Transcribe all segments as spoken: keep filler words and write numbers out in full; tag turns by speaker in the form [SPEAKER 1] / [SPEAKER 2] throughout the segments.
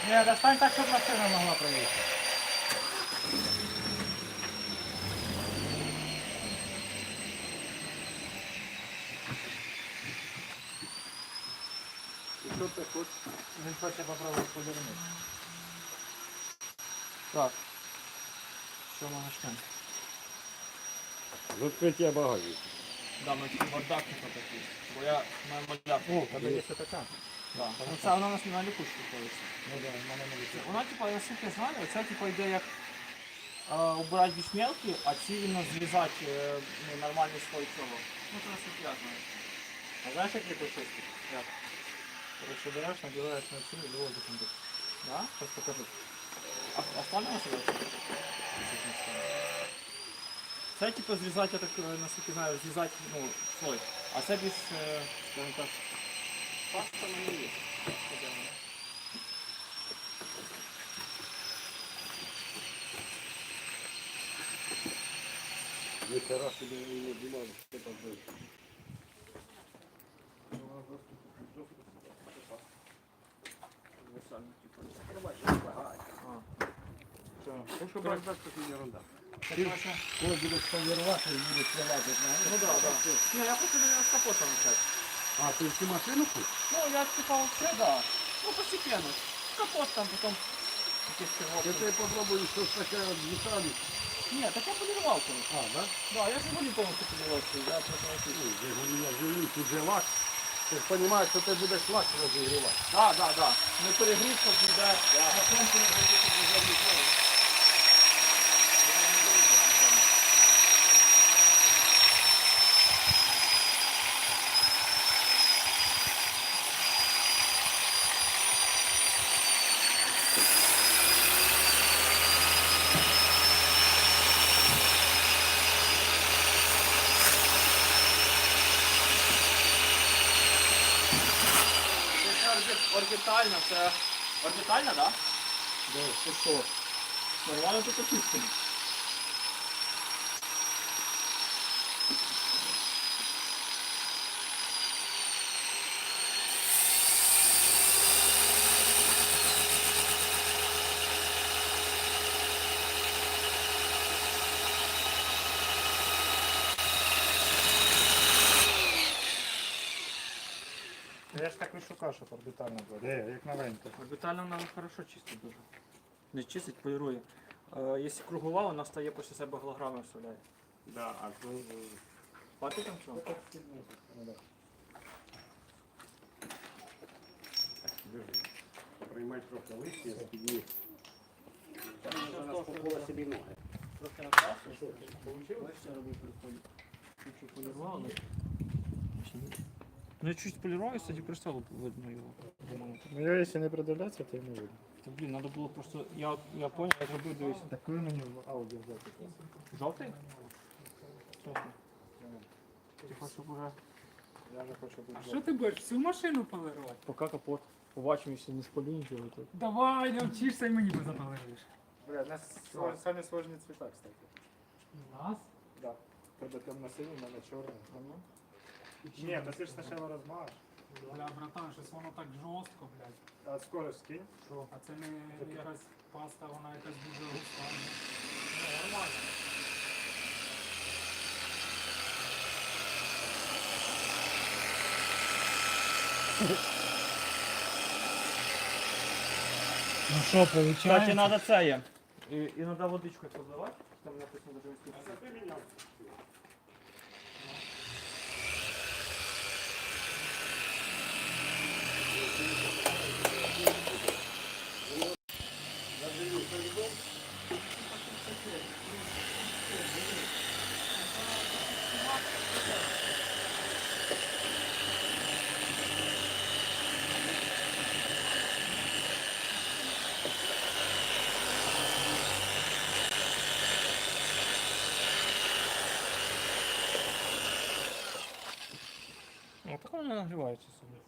[SPEAKER 1] Не, достань так, щоб машина могла проїхати.
[SPEAKER 2] Що ти хочеш?
[SPEAKER 1] Він хоче попробувати повернути. Так. Що ми почнемо?
[SPEAKER 2] З відкриття багажника.
[SPEAKER 1] Да, ми тільки бардак не такий. Бо я маю бардак.
[SPEAKER 2] О, тебе є ще така.
[SPEAKER 1] Да. Ну, це вона у нас на лікушку ходиться.
[SPEAKER 2] Ну да, в мене не висить.
[SPEAKER 1] Вона, типа, наскільки я знаю, це типа йде як е, убирати більш мелкі, а ці іменно зрізати е, ну, нормальний слой цього. Ну, це наскільки я знаю.
[SPEAKER 2] А знаєш, як їх почистити?
[SPEAKER 1] Як?
[SPEAKER 2] Короче, береш, набираєш на цю і виводиш на таку.
[SPEAKER 1] Да?
[SPEAKER 2] Зараз покажу.
[SPEAKER 1] А останнього сюди? Це типу зрізати, я так е, наскільки знаю, зрізати ну, слой. А це більш, е, скажімо так, паста на не є.
[SPEAKER 2] Ніхера собі не знімали, що там вийшло. Ну, що бардак, це не ерунда. Коли будеш полірувати, і будеш вилазити на
[SPEAKER 1] Ну да, да. Не, я хочу наверное, с капота начать.
[SPEAKER 2] А, ти всю машину хочеш?
[SPEAKER 1] Ну, я типа вообще, да. Ну, постепенно. Капот там, потом какие-то
[SPEAKER 2] Я
[SPEAKER 1] стирки.
[SPEAKER 2] тебе попробую щось таке от деталі.
[SPEAKER 1] Нет, так я полировал, конечно.
[SPEAKER 2] А, да?
[SPEAKER 1] Да, я же его не полностью полировал, я просто
[SPEAKER 2] Ну,
[SPEAKER 1] начал.
[SPEAKER 2] вже я живу, тут же лак. Ти ж розумієш, що ти будеш лак розігрівати.
[SPEAKER 1] Да, да, да. Не перегрів, щоб ніде на сонці не зайти, щоб не забити. Орбітально, це орбітальна, да?
[SPEAKER 2] Да.
[SPEAKER 1] Ти що? Нормально тут очистили.
[SPEAKER 2] Я ж так і шукав, щоб орбітально було. Де, як новенько.
[SPEAKER 1] Орбітально вона хорошо чистить дуже. Не чистить, полірує. Е, якщо кругова, вона стає після себе голограми вставляє.
[SPEAKER 2] Да, а то...
[SPEAKER 1] Бачите там чого?
[SPEAKER 2] Приймай трохи листя, спідні. Вона спокоїла собі ноги.
[SPEAKER 1] Трохи накрасив. Бачите, робив приходить. Чуть-чуть полірував, але... Ну я чуть полірував, і, кстати, перестало видно його.
[SPEAKER 2] Ну я якщо не придивлятися, то не видно.
[SPEAKER 1] Та, блін, треба було просто... Я, я понял, я зробив, дивись.
[SPEAKER 2] Такий мені в аудіо взяти.
[SPEAKER 1] Жовтий? Чесно. Ти хочеш уже...
[SPEAKER 2] Я не хочу бути.
[SPEAKER 3] А що ти будеш всю машину полирувати?
[SPEAKER 1] Поки капот. Побачимо, якщо не спалю нічого, то...
[SPEAKER 3] Давай, навчишся і мені позаполириш.
[SPEAKER 2] Бля, у нас свож- самі сложні цвіта, кстати.
[SPEAKER 3] У нас?
[SPEAKER 2] Да. Тебе темно-синій, у мене чорний. Ні, то ти ж спочатку розмажеш.
[SPEAKER 3] Бля, братан, щось воно так жорстко, блядь.
[SPEAKER 2] А скорость скинь.
[SPEAKER 3] А це не якась паста, вона якась дуже густа.
[SPEAKER 1] Ну, нормально.
[SPEAKER 3] Ну що, виходить?
[SPEAKER 1] Кстати, надо це є. І, і треба водичкою подливати. Там написано дуже інститут.
[SPEAKER 2] Ти міняв.
[SPEAKER 1] Ну, так воно нагрівається собі.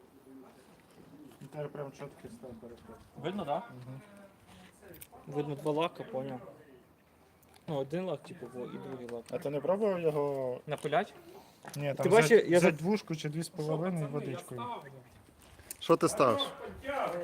[SPEAKER 2] Тепер прям чіткий став переход.
[SPEAKER 1] Видно, так? Да? Угу. Видно два лака, поняв. Ну, один лак, типу, і другий лак.
[SPEAKER 2] А ти не пробував його?
[SPEAKER 1] Напилять?
[SPEAKER 2] Ні,
[SPEAKER 1] Ти бачиш, я
[SPEAKER 2] за
[SPEAKER 1] за-
[SPEAKER 2] двушку чи дві з половиною водичкою.
[SPEAKER 4] Що ти ставиш?